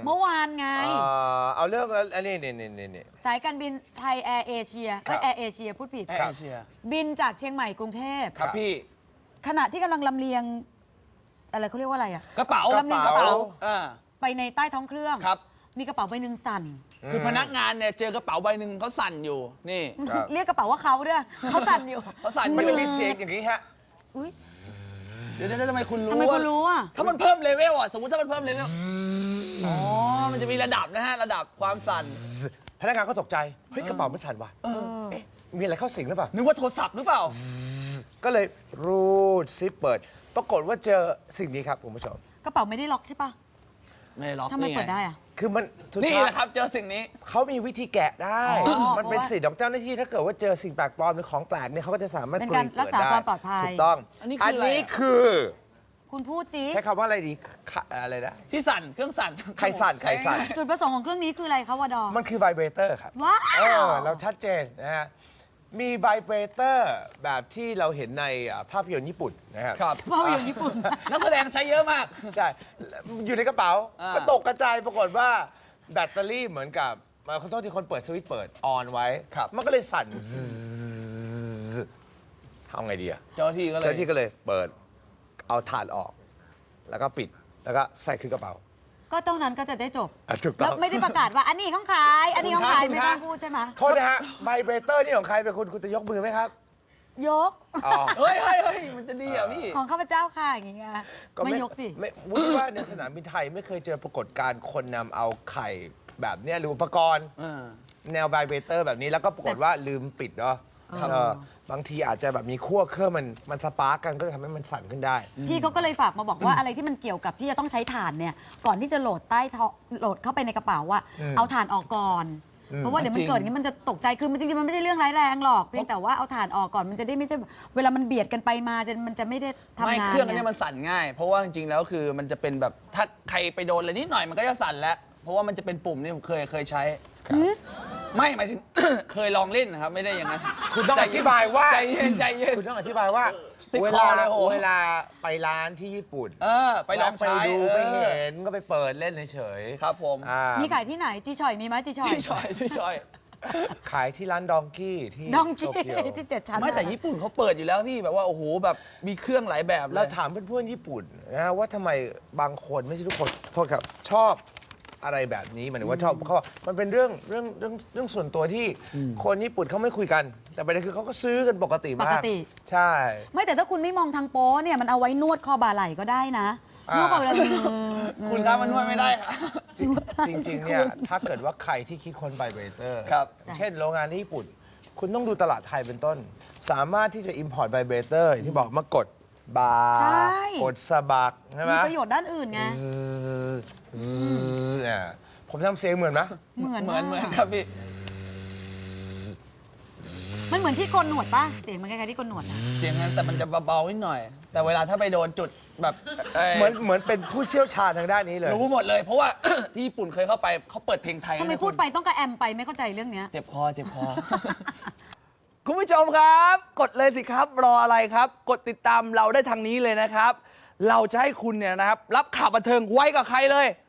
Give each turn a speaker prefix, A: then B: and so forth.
A: เมื่อวานไง
B: เอาเรื่องอันนี้
A: สายการบินไทยแอร์เอเชียแอร์เอเชียพูดผิด
C: แอร์เอเชีย
A: บินจากเชียงใหม่กรุงเทพ
C: ครับพี่
A: ขณะที่กำลังลำเลียงอะไรเขาเรียกว่าอะไรอะ
C: กระเป๋า
A: ลำเลียงกระเป๋าไปในใต้ท้องเครื่อง
C: ครับ
A: มีกระเป๋าใบหนึ่งสั่น
C: คือพนักงานเนี่ยเจอกระเป๋าใบหนึ่งเขาสั่นอยู่นี่
A: เรียกกระเป๋าว่าเขาด้วยเขาสั่นอยู่
C: เขาสั่น
B: มันจะมีเสียงอย่างนี้ฮะ
C: เดี๋ยวทำไมคุณรู้
A: อ่ะ
C: ถ้ามันเพิ่มเลเวลอ่ะสมมติถ้ามันเพิ่มเลเวลอ๋อมันจะมีระดับนะฮะระดับความสั่น
B: พนักงานก็ตกใจเฮ้ยกระเป๋ามันสั่นว่ะมีอะไรเข้าสิงหรือเปล่า
C: นึกว่าโทรศัพท์หรือเปล่า
B: ก็เลยรูดซิปเปิดปรากฏว่าเจอสิ่งนี้ครับคุณผู้ชม
A: กระเป๋าไม่ได้ล็อกใช่ปะ
C: ไม่ล็อก
A: ทำไมเปิดได้อะ
B: คือมัน
C: นี่แหละครับเจอสิ่งนี้
B: เขามีวิธีแกะได้มันเป็นสิทธิ์ของเจ้าหน้าที่ถ้าเกิดว่าเจอสิ่งแปลกปลอมหรือของแปลกเนี่ยเขาก็จะสามารถ
A: เป็นการรักษาความปลอดภัย
B: ถูกต้องอันนี้คือ
A: คุณพูดสิ
B: ใช้คำว่าอะไรดีอะไรนะ
C: ที่สั่นเครื่องสั่น
B: ใครสั่น
A: จุดประสงค์ของเครื่องนี้คืออะไรคะวดอ
B: มันคือไวเบรเตอร์ครับ
A: ว้าว
B: เราชัดเจนนะฮะมีไวเบรเตอร์แบบที่เราเห็นในภาพยนตร์ญี่ปุ่นนะครับ
A: ภาพยนตร์ญี่ปุ่น
C: นักแสดงใช้เยอะมาก
B: ใช่อยู่ในกระเป๋าก็ตกกระจายปรากฏว่าแบตเตอรี่เหมือนกับขอโทษที่คนเปิดสวิตช์เปิดออนไว้มันก็เลยสั่นทำไงดีอะ
C: เจ้าหน้าที่ก็
B: เลยเปิดเอาถ่านออกแล้วก็ปิดแล้วก็ใส่ขึ้นกระเป๋า
A: ก็ตรงนั้นก็จะได้จบ
B: ถูกต้อง
A: ไม่ได้ประกาศว่าอันนี้ของใครอันนี้ของใครไม่ต้องพูดใช่ไหม
B: โทษนะฮะไวเบรเตอร์นี่ของใครเป็นคุณจะยกมือไหมครับ
A: ยก
C: เฮ้ยมันจะดีอ่ะพี่
A: ของข้าพเจ้าค่ะอย่างเงี้ยไม่ยกสิ
B: ไม่ว่าในสนามบินไทยไม่เคยเจอปรากฏการณ์คนนำเอาไข่แบบเนี้ยหรืออุปกรณ์แนวไวเบรเตอร์แบบนี้แล้วก็ปรากฏว่าลืมปิดเนาะบางทีอาจจะแบบมีขั้วเครื่องมันสปาร์กกันก็จะทำให้มันสั่นขึ้นได้
A: พี่เขาก็เลยฝากมาบอกว่าอะไรที่มันเกี่ยวกับที่จะต้องใช้ถ่านเนี่ยก่อนที่จะโหลดโหลดเข้าไปในกระเป๋าว่าเอาถ่านออกก่อนเพราะว่าเดี๋ยวมันเกิดอย่างนี้มันจะตกใจคือมันจริงๆมันไม่ใช่เรื่องร้ายแรงหรอกเพียงแต่ว่าเอาถ่านออกก่อนมันจะได้ไม่ใช่เวลามันเบียดกันไปมามันจะไม่ได้ทำงานไม่
C: เครื่องนี้มันสั่นง่ายเพราะว่าจริงๆแล้วคือมันจะเป็นแบบถ้าใครไปโดนอะไรนิดหน่อยมันก็จะสั่นแล้วเพราะว่ามันจะเป็นปุ่มนี่ผมเคยใช้ไม่หมายถึง เคยลองเล่นนะครับไม่ได้อย่างนั้น
B: คุณต้องอธิบายว่า
C: ใจเย็น
B: คุณต้องอธิบายว่าเวลาไปร้านที่ญี่ปุ่น
C: ไปลองใช้
B: ไปดูไปเห็นก็ไปเปิดเล่นเฉย
C: ครับผม
A: มีขายที่ไหนจีชอยมีไหมจีช
C: อย
B: ขายที่ร้านดองกี้ที่
A: โตเกียวที่7 ชั้น
C: ไม่แต่ญี่ปุ่นเขาเปิดอยู่แล้วพี่แบบว่าโอ้โหแบบมีเครื่องหลายแบบ
B: เราถามเพื่อนๆญี่ปุ่นนะว่าทำไมบางคนไม่ใช่ทุกคนโทษครับชอบอะไรแบบนี้หมายถึงว่าชอบเขามันเป็นเรื่องส่วนตัวที่คนญี่ปุ่นเขาไม่คุยกันแต่ประเด็นคือเขาก็ซื้อกันปกติมากใช่
A: ไม่แต่ถ้าคุณไม่มองทางโป๊เนี่ยมันเอาไว้นวดคอบ่าไหล่ก็ได้นะนวดไปเลย
C: คุณครับมันนวดไม่ได้
B: จริงๆเนี่ยถ้าเกิดว่าใครที่คิดคนไวเบรเตอร์เช่นโรงงานที่ญี่ปุ่นคุณต้องดูตลาดไทยเป็นต้นสามารถที่จะ import ไวเบรเตอร์ที่บอกมากดบาร์กดสะบักใช่ไหม
A: มีประโยชน์ด้านอื่นไง
B: ผมทำเสียงเหมือนไหม
A: เหมือน
C: ครับพี่
A: มันเหมือนที่โกนหนวดป่ะเสียงมันคล้ายๆที่โกนหนวดนะ
C: เสียงนั้นแต่มันจะเบาๆนิดหน่อยแต่เวลาถ้าไปโดนจุดแบบ
B: เหมือนเป็นผู้เชี่ยวชาญทางด้านนี้เลย
C: รู้หมดเลยเพราะว่าที่ญี่ปุ่นเคยเข้าไปเขาเปิดเพลงไทย
A: ทำไมพูดไปต้องกระแอมไปไม่เข้าใจเรื่องนี้
C: เจ็บคอคุณผู้ชมครับกดเลยสิครับรออะไรครับกดติดตามเราได้ทางนี้เลยนะครับเราจะให้คุณเนี่ยนะครับรับข่าวบันเทิงไว้กับใครเลย